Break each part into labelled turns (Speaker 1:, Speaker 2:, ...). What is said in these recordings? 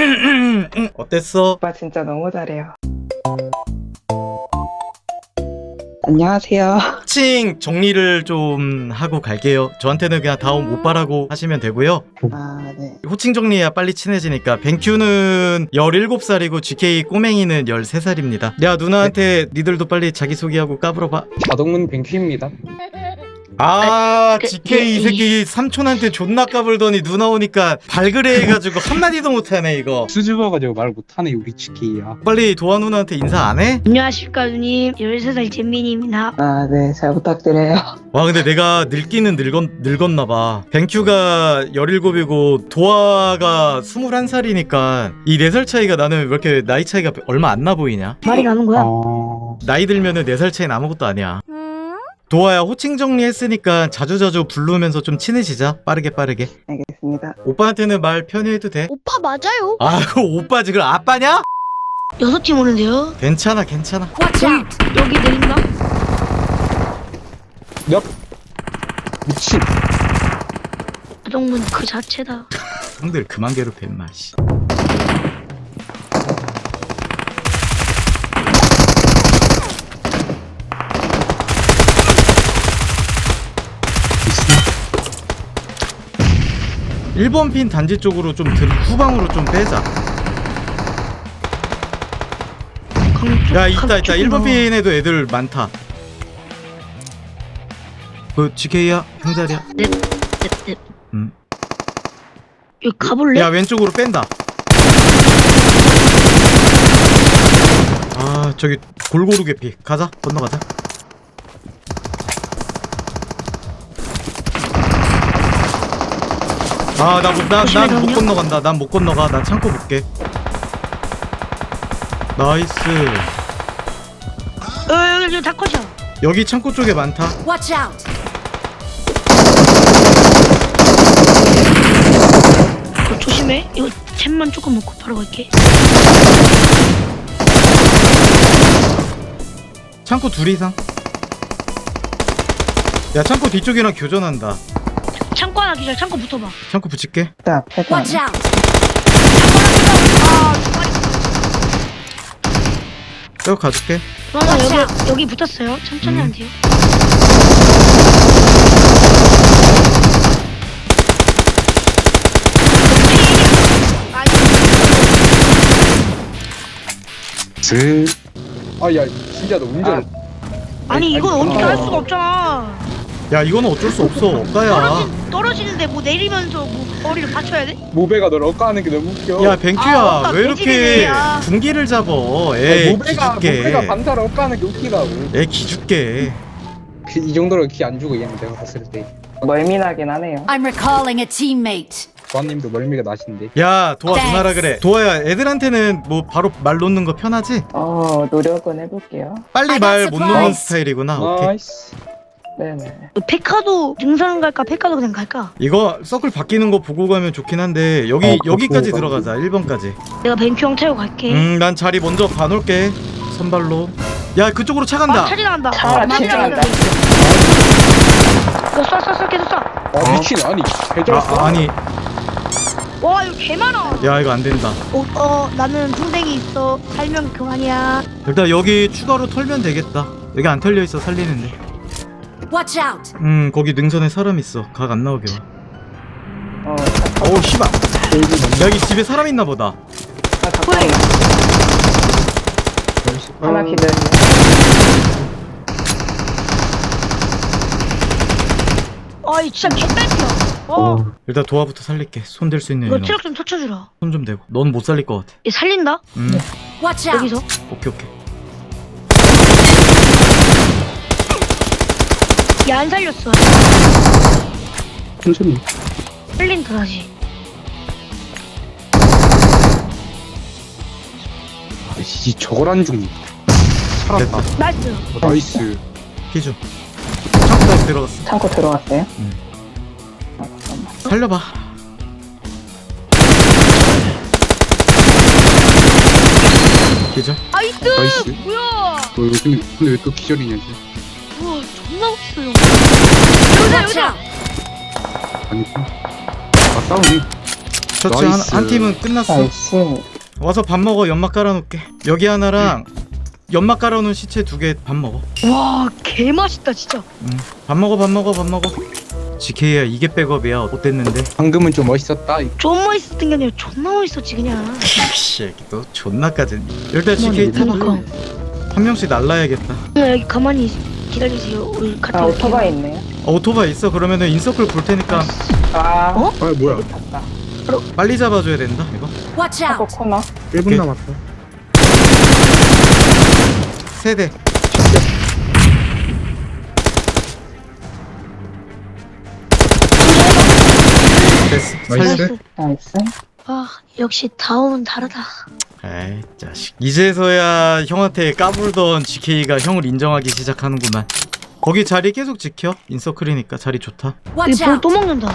Speaker 1: 어땠어?
Speaker 2: 오빠 진짜 너무 잘해요. 안녕하세요.
Speaker 1: 호칭 정리를 좀 하고 갈게요. 저한테는 그냥 다음 오빠라고 하시면 되고요.
Speaker 2: 아, 네.
Speaker 1: 호칭 정리해야 빨리 친해지니까. 뱅큐는 17살이고 GK 꼬맹이는 13살입니다. 야, 누나한테 니들도 빨리 자기소개하고 까불어봐.
Speaker 3: 자동문 뱅큐입니다.
Speaker 1: 아, GK 이 새끼 삼촌한테 존나 까불더니 누나 오니까 발그레 해가지고 한마디도 못하네 이거.
Speaker 3: 수줍어가지고 말 못하네 우리 치키야.
Speaker 1: 빨리 도화 누나한테 인사 안 해?
Speaker 4: 안녕하십니까 누님, 13살 잼민입니다.
Speaker 2: 아, 네. 잘 부탁드려요.
Speaker 1: 와, 근데 내가 늙기는 늙었나봐. 뱅큐가 17이고 도화가 21살이니까 이 4살 차이가, 나는 왜 이렇게 나이 차이가 얼마 안 나 보이냐?
Speaker 4: 말이 나는 거야?
Speaker 1: 나이 들면은 4살 차이는 아무것도 아니야. 도화야, 호칭 정리했으니까 자주자주 부르면서 좀 친해지자. 빠르게.
Speaker 2: 알겠습니다.
Speaker 1: 오빠한테는 말 편히 해도 돼.
Speaker 4: 오빠 맞아요.
Speaker 1: 아, 그 오빠 지금 아빠냐?
Speaker 4: 6팀 오는데요.
Speaker 1: 괜찮아.
Speaker 4: 여기 내린다.
Speaker 3: 몇 미친.
Speaker 4: 자동문 그 자체다.
Speaker 1: 형들 그만 괴롭혀 임마. 씨. 일번 핀 단지 쪽으로 좀 후방으로 좀 빼자. 야, 있다. 1번 핀에도 애들 많다. 그 GK야? 형자리야?
Speaker 4: 넵. 여기 가볼래?
Speaker 1: 야, 왼쪽으로 뺀다. 아, 저기 골고루 개피. 가자, 건너가자. 아, 난 못 건너간다. 난 못 건너가. 난 창고 볼게. 나이스.
Speaker 4: 여기 다 컷이야.
Speaker 1: 여기 창고 쪽에 많다.
Speaker 5: Watch out!
Speaker 4: 조심해. 이거 잼만 조금 먹고 바로 갈게.
Speaker 1: 창고 둘 이상. 야, 창고 뒤쪽이랑 교전한다.
Speaker 4: 창고 하나 기절. 창고 붙어봐.
Speaker 1: 창고 붙일게.
Speaker 2: 자, 패턴.
Speaker 5: Watch out!
Speaker 1: 쭉 가줄게.
Speaker 4: 맞아. 여기 붙었어요. 천천히 하면 돼요.
Speaker 3: 아야 진짜 너 운전.
Speaker 4: 아니 이건 어떻게 할 수가 없잖아.
Speaker 1: 야, 이거는 어쩔 수 없어. 억가야.
Speaker 4: 떨어지는데 뭐 내리면서 뭐 머리를 받쳐야 돼?
Speaker 3: 모베가 널 억까하는 게 너무 웃겨.
Speaker 1: 야, 뱅큐야.
Speaker 4: 억가
Speaker 1: 왜 이렇게
Speaker 4: 개질이네, 야.
Speaker 1: 군기를 잡어?
Speaker 3: 아니,
Speaker 1: 애
Speaker 3: 모베가
Speaker 1: 기죽게.
Speaker 3: 반사를 억까하는 게 웃기다고.
Speaker 1: 애 기죽게.
Speaker 3: 이 정도로 키 안 주고 얘는 내가 봤을 때.
Speaker 2: 멀미나긴 하네요.
Speaker 5: I'm recalling a teammate.
Speaker 3: 도아님도 멀미가 나신데.
Speaker 1: 야, 도화
Speaker 5: 땡스.
Speaker 1: 누나라 그래. 도화야, 애들한테는 뭐 바로 말 놓는 거 편하지?
Speaker 2: 노력은 해볼게요.
Speaker 1: 빨리
Speaker 5: I
Speaker 1: 말
Speaker 5: got
Speaker 1: 못 놓는
Speaker 5: supplies.
Speaker 1: 스타일이구나. 오케이.
Speaker 3: 나이스.
Speaker 2: 네네.
Speaker 4: 페카도 등산 갈까? 페카도 그냥 갈까?
Speaker 1: 이거 서클 바뀌는 거 보고 가면 좋긴 한데 여기까지
Speaker 3: 보고
Speaker 1: 들어가자. 1번까지.
Speaker 4: 내가 벤큐 형 태우고 갈게.
Speaker 1: 난 자리 먼저 봐놓을게. 선발로. 야, 그쪽으로 차 간다.
Speaker 4: 차리 나간다.
Speaker 2: 차 진짜 간다.
Speaker 4: 쏴 계속 쏴.
Speaker 3: 아 미친. 아니 개쩔었어.
Speaker 1: 아니,
Speaker 4: 와 이거 개 많아.
Speaker 1: 야, 이거 안 된다.
Speaker 4: 나는 풍뎅이 있어. 살면 그만이야.
Speaker 1: 일단 여기 추가로 털면 되겠다. 여기 안 털려 있어. 살리는데.
Speaker 5: Watch out!
Speaker 1: 거기 능선에 사람 있어. 각 안 나오게 와.
Speaker 2: 잠깐.
Speaker 1: 어우, 씨발. 여기 집에 사람 있나 보다.
Speaker 2: 가까이. 하나 기다려.
Speaker 4: 이 진짜 개딸피야.
Speaker 1: 일단 도화부터 살릴게. 손 댈 수 있는
Speaker 4: 이거
Speaker 1: 인원.
Speaker 4: 체력 좀 터쳐주라.
Speaker 1: 손 좀 대고. 넌 못 살릴 것 같아.
Speaker 4: 얘 살린다.
Speaker 5: Watch out!
Speaker 4: 여기서.
Speaker 1: 오케이.
Speaker 4: 얘 안 살렸어.
Speaker 3: 천천히.
Speaker 4: 살린다 다시.
Speaker 3: 아이씨 저걸 안 죽니. 살았다.
Speaker 4: 나이스.
Speaker 3: 나이스.
Speaker 1: 피주. 창고까지 들어갔어.
Speaker 2: 창고 들어갔어요?
Speaker 1: 살려봐. 기절.
Speaker 3: 나이스.
Speaker 4: 뭐야?
Speaker 3: 근데 왜 또 기절이냐 지
Speaker 4: 우와 존나 멋있어요.
Speaker 5: Watch out!
Speaker 3: 아니. 아 싸우네.
Speaker 1: 저치
Speaker 3: 나이스.
Speaker 1: 한 팀은 끝났어.
Speaker 2: 나이스.
Speaker 1: 와서 밥 먹어. 연막 깔아놓을게. 여기 하나랑 연막 깔아놓은 시체 2개 밥 먹어.
Speaker 4: 와 개맛있다 진짜.
Speaker 1: 밥 먹어. GK야 이게 백업이야. 어땠는데?
Speaker 3: 방금은 좀 멋있었다.
Speaker 4: 좀 멋있었던 게 아니라 존나 멋있었지 그냥.
Speaker 1: 씨, 너 존나까지. 일단 GK 타봐.
Speaker 4: 그러니까.
Speaker 1: 한 명씩 날라야겠다.
Speaker 4: 그냥 여기 가만히 기다리세요. 우리 갔다
Speaker 2: 아,
Speaker 4: 올게요.
Speaker 2: 오토바이 있네요.
Speaker 1: 오토바이 있어. 그러면은 인서클 볼 테니까
Speaker 2: 아,
Speaker 4: 어?
Speaker 3: 아 뭐야?
Speaker 2: 탔다.
Speaker 1: 빨리 잡아줘야 된다. 이거
Speaker 5: Watch
Speaker 2: 하고
Speaker 5: out!
Speaker 2: 코너.
Speaker 3: 1분
Speaker 1: 오케이.
Speaker 3: 남았어.
Speaker 1: 세대. 됐어. 살려.
Speaker 3: 나이스.
Speaker 2: 나이스.
Speaker 4: 아 역시 다음은 다르다.
Speaker 1: 에이 자식. 이제서야 형한테 까불던 GK가 형을 인정하기 시작하는구만. 거기 자리 계속 지켜. 인서클이니까 자리 좋다.
Speaker 5: Watch
Speaker 4: 이볼
Speaker 5: out!
Speaker 4: 또 먹는다.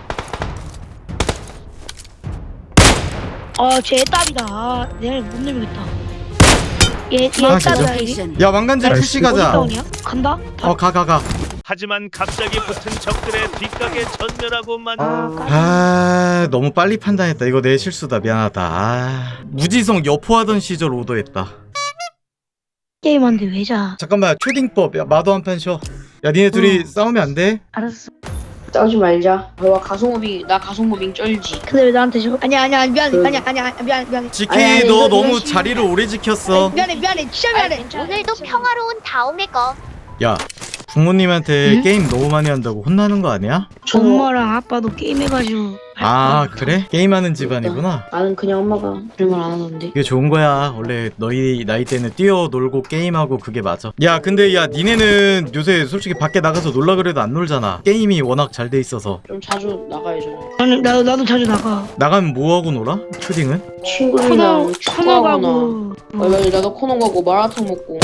Speaker 4: 아쟤 애답이다. 아, 내가 못 내밀겠다. 얘
Speaker 1: 아,
Speaker 4: 애답이다.
Speaker 1: 진짜?
Speaker 5: Location.
Speaker 1: 야 왕관제
Speaker 3: 나이스.
Speaker 1: 푸시 가자.
Speaker 4: 다운이야? 간다?
Speaker 1: 가.
Speaker 6: 하지만 갑자기 붙은 적들의 뒷각에 전멸하고만
Speaker 1: 아 너무 빨리 판단했다. 이거 내 실수다. 미안하다. 아, 무지성 여포하던 시절 오더했다.
Speaker 4: 게임한데 왜 자?
Speaker 1: 잠깐만 초딩법. 야 마도 한 판 쉬어. 야 니네 둘이 싸우면 안 돼?
Speaker 4: 알았어.
Speaker 7: 싸우지 말자. 와 나 가속무빙 쩔지.
Speaker 4: 근데 왜 나한테 저? 아니야 미안해. 아니야 미안해.
Speaker 1: GK
Speaker 7: 아니,
Speaker 1: 너
Speaker 7: 이거
Speaker 1: 너무
Speaker 7: 이거
Speaker 1: 자리를 오래 지켰어.
Speaker 4: 미안해 진짜 미안해.
Speaker 8: 오늘도 평화로운 다음에 거.
Speaker 1: 야 부모님한테
Speaker 4: 응?
Speaker 1: 게임 너무 많이 한다고 혼나는 거 아니야?
Speaker 4: 엄마랑 아빠도 게임해가지고.
Speaker 1: 아 그래? 게임하는 집안이구나.
Speaker 7: 나는 그냥 엄마가 그런 말 안 하던데.
Speaker 1: 그게 좋은 거야. 원래 너희 나이 때는 뛰어놀고 게임하고 그게 맞아. 야 근데 야 니네는 요새 솔직히 밖에 나가서 놀라 그래도 안 놀잖아. 게임이 워낙 잘 돼 있어서.
Speaker 7: 좀 자주 나가야죠.
Speaker 4: 아니 나도 자주 나가.
Speaker 1: 나가면 뭐하고 놀아? 초딩은?
Speaker 7: 친구들이랑
Speaker 4: 코너
Speaker 7: 축구하거나.
Speaker 4: 가고.
Speaker 7: 맞아, 나도 코너 가고 마라탕 먹고.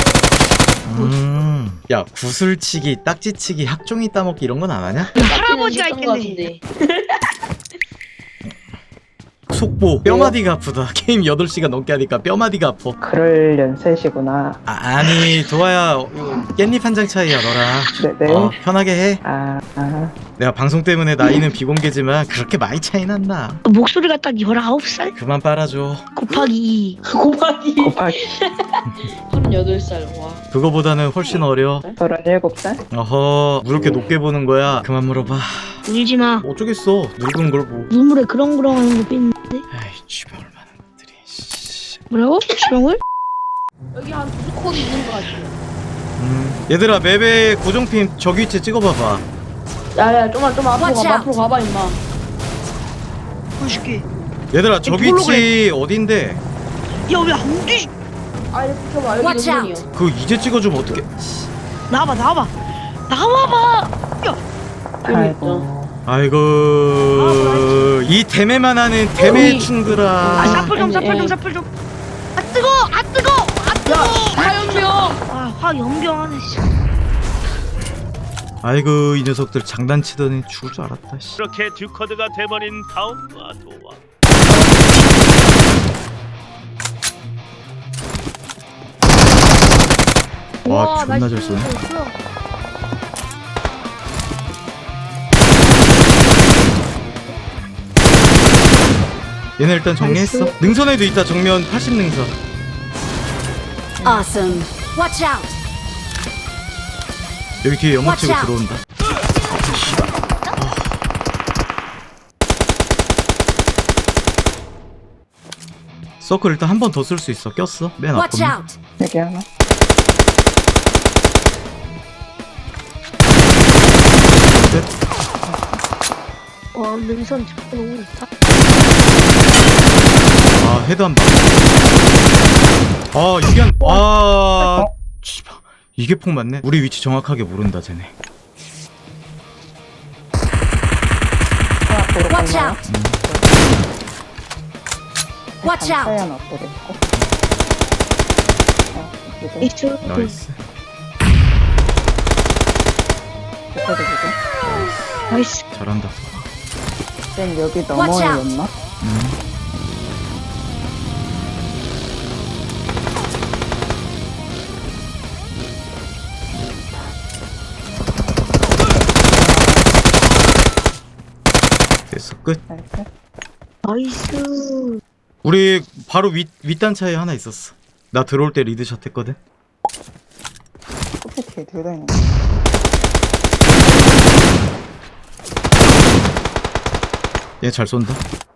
Speaker 1: 야 구슬치기, 딱지치기, 학종이 따먹기 이런 건 안 하냐?
Speaker 4: 할아버지가
Speaker 7: 했던 것
Speaker 4: 있겠네.
Speaker 7: 같은데.
Speaker 1: 속보 뼈마디가 아프다. 게임 8시간 넘게 하니까 뼈마디가 아파.
Speaker 2: 그럴 연세시구나.
Speaker 1: 아니 도아야 깻잎 한 장 차이야 너랑.
Speaker 2: 네네.
Speaker 1: 편하게 해.
Speaker 2: 아.
Speaker 1: 내가 방송 때문에 나이는 비공개지만 그렇게 많이 차이는 안 나.
Speaker 4: 목소리가 딱 19살
Speaker 1: 그만 빨아줘.
Speaker 4: 곱하기 2.
Speaker 7: 고마니.
Speaker 2: 곱하기
Speaker 7: 38살. 와.
Speaker 1: 그거보다는 훨씬 어려.
Speaker 2: 37살?
Speaker 1: 어허 뭐 이렇게 높게 보는 거야. 그만 물어봐.
Speaker 4: 울지 마.
Speaker 1: 어쩌겠어. 늙은 걸 뭐.
Speaker 4: 눈물에 그렁그렁 하는 거 뺐는데.
Speaker 1: 아이 주변 많은 것들이. 씨.
Speaker 4: 뭐라고? 주렁을?
Speaker 7: 여기 한 두 콘 있는 것 같아요.
Speaker 1: 얘들아 맵에 고정핀 저기 위치 찍어봐봐.
Speaker 7: 야야 좀만 앞으로
Speaker 5: Watch
Speaker 7: 가봐.
Speaker 5: out.
Speaker 7: 앞으로 가봐 임마.
Speaker 4: 보여줄게.
Speaker 1: 얘들아 저기
Speaker 4: 뭘로
Speaker 1: 위치 어딘데?
Speaker 4: 야 왜 안 돼?
Speaker 7: 아 이렇게 켜봐. 여기
Speaker 5: Watch
Speaker 7: 능선이요.
Speaker 1: 그거 이제 찍어주면 어떡해.
Speaker 4: 나와봐. 야
Speaker 2: 아이고.
Speaker 1: 아이고 이 대매만 하는 대매 충들아.
Speaker 4: 사풀 좀. 아 뜨거.
Speaker 7: 화염병.
Speaker 4: 화염병하네.
Speaker 1: 아이고 이 녀석들 장난치더니 죽을 줄 알았다. 씨.
Speaker 6: 그렇게 듀커드가 돼버린 다음과 도와.
Speaker 1: 와 존나 잘 쏘네. 얘네 일단 정리했어. 능선에도 있다. 정면 80능선.
Speaker 5: Awesome. Watch out!
Speaker 1: 여기 뒤에 연막 치고
Speaker 5: Watch out.
Speaker 1: 들어온다. 서클 일단 한 번 더 쓸 수 있어. 꼈어. 맨
Speaker 5: Watch
Speaker 1: 앞에.
Speaker 5: out!
Speaker 2: 여기 하나.
Speaker 4: 와 능선 잡고 너무 좋다.
Speaker 1: 아 헤드 한 방. 아 이게 한. 아 씨발. 이게 폭 맞네. 우리 위치 정확하게 모른다 쟤네.
Speaker 2: 하나 도로
Speaker 5: Watch
Speaker 2: 건너요.
Speaker 5: out! Watch out!
Speaker 2: 사연 앞으로 있고. 여기도
Speaker 4: 이쪽.
Speaker 1: 나이스.
Speaker 2: 여기도 여기도.
Speaker 4: 나이스.
Speaker 1: 잘한다.
Speaker 2: 쌤 여기
Speaker 5: Watch
Speaker 2: 넘어였나?
Speaker 1: 됐어 끝.
Speaker 2: 나이스.
Speaker 4: 나이스.
Speaker 1: 우리 바로 윗단차에 하나 있었어. 나 들어올 때 리드샷 했거든.
Speaker 2: 커피 뒤에 둘 다 있는
Speaker 1: 얘 잘 쏜다.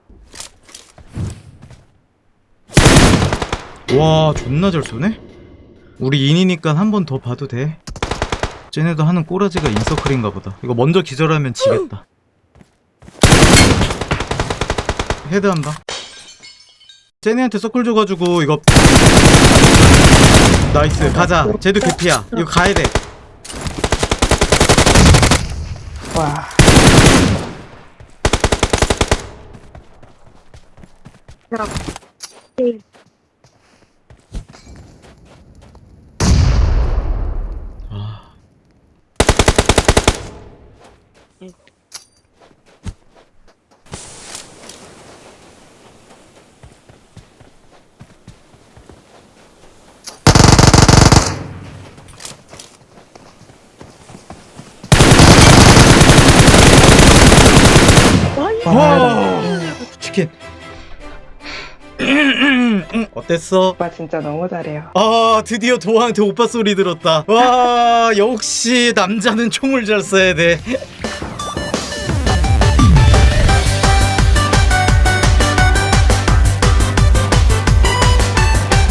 Speaker 1: 와 존나 잘 쏘네. 우리 인이니까 한 번 더 봐도 돼. 쟤네도 하는 꼬라지가 인서클인가 보다. 이거 먼저 기절하면 지겠다. 헤드 한 방. 쟤네한테 서클 줘가지고 이거 나이스 가자. 쟤도 개피야. 이거 가야돼.
Speaker 2: 와.
Speaker 1: 아. 와 치킨. 어땠어?
Speaker 2: 오빠 진짜 너무 잘해요.
Speaker 1: 아 드디어 도아한테 오빠 소리 들었다. 와 역시 남자는 총을 잘 쏴야 돼.